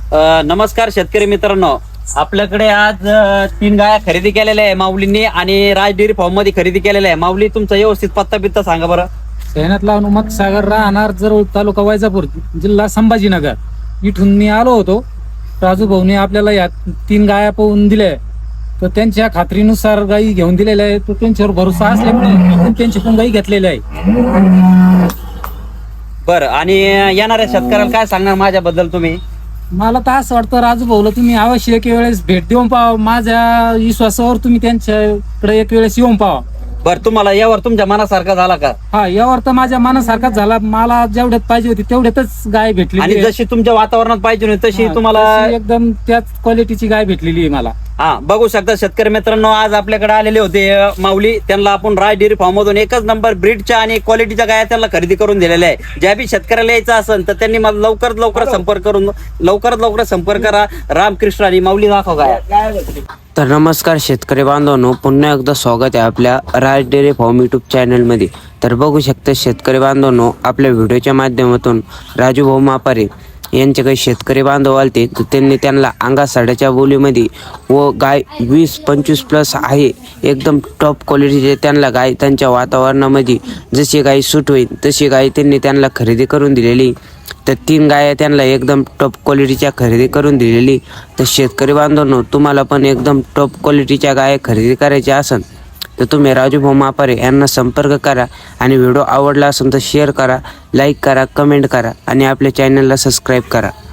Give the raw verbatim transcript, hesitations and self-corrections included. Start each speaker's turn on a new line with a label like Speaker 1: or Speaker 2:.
Speaker 1: अ, नमस्कार शेतकरी मित्रांनो, आपल्याकडे आज अ, तीन गाया खरेदी केलेल्या आहे माऊलींनी आणि राज डेअरी फार्म मध्ये खरेदी केलेल्या आहे. माऊली, तुमचा व्यवस्थित पत्ता बित्ता सांगा बरं.
Speaker 2: सैनातला हनुमत सागर राहणार जर तालुका वैजापूर जिल्हा संभाजीनगर इथून मी आलो होतो. राजू भाऊने आपल्याला या तीन गाया पाहून दिल्या, तर त्यांच्या खात्रीनुसार गायी घेऊन दिलेल्या आहे. तो त्यांच्यावर भरोसा असल्यामुळे आपण त्यांची पण गायी घेतलेल्या आहे.
Speaker 1: बरं, आणि येणाऱ्या शेतकऱ्याला काय सांगणार माझ्याबद्दल तुम्ही?
Speaker 2: मला तर असं वाटतं राजू भाऊला तुम्ही अवश्य एक वेळेस भेट देऊन पाहा. माझ्या विश्वासावर तुम्ही त्यांच्याकडे एक वेळेस येऊन पाहा.
Speaker 1: बरं, तुम्हाला यावर तुमच्या मनासारखा झाला का?
Speaker 2: हा, यावर तर माझ्या मनासारखाच झाला. मला जेवढ्यात पाहिजे होती तेवढ्यातच गाय भेटली
Speaker 1: आणि जशी तुमच्या वातावरणात पाहिजे होती तशी तुम्हाला
Speaker 2: एकदम त्याच क्वालिटीची गाय भेटलेली आहे मला.
Speaker 1: हा, बघू शकता शेतकरी मित्रांनो, आज आपल्याकडे आलेले होते अ, माऊली. त्यांना आपण राज डेअरी फार्म मधून एकच नंबर ब्रीडच्या आणि क्वालिटीच्या गाया त्यांना खरेदी करून दिलेल्या आहे. ज्या बी शेतकऱ्याला यायचं असेल तर त्यांनी मला लवकरात लवकर संपर्क करून लवकरात लवकर संपर्क करा. रामकृष्ण आणि माऊली दाखव गाया.
Speaker 3: तर नमस्कार शेतकरी बांधवांनो, पुन्हा एकदा स्वागत आहे आपल्या राज डेअरी फार्म यूट्यूब चॅनलमध्ये. तर बघू शकता शेतकरी बांधवांनो, आपल्या व्हिडिओच्या माध्यमातून राजू भाऊ मापारे यांचे काही शेतकरी बांधव आलते, तर त्यांनी त्यांना अंगा साड्याच्या बोलीमध्ये व गाय वीस पंचवीस प्लस आहे, एकदम टॉप क्वालिटीचे त्यांना गाय त्यांच्या वातावरणामध्ये जशी गाय सूट होईल तशी गाय त्यांनी त्यांना खरेदी करून दिलेली. तर तीन गाया त्यांना एकदम टॉप क्वालिटीच्या खरेदी करून दिलेली. तर शेतकरी बांधवांनो, तुम्हाला पण एकदम टॉप क्वालिटीच्या गाया खरेदी करायच्या असेल तर तुम्ही राजू भाऊ मापारे यांना संपर्क करा. आणि व्हिडिओ आवडला असेल तर शेअर करा, लाईक करा, कमेंट करा आणि आपल्या चॅनलला सबस्क्राईब करा.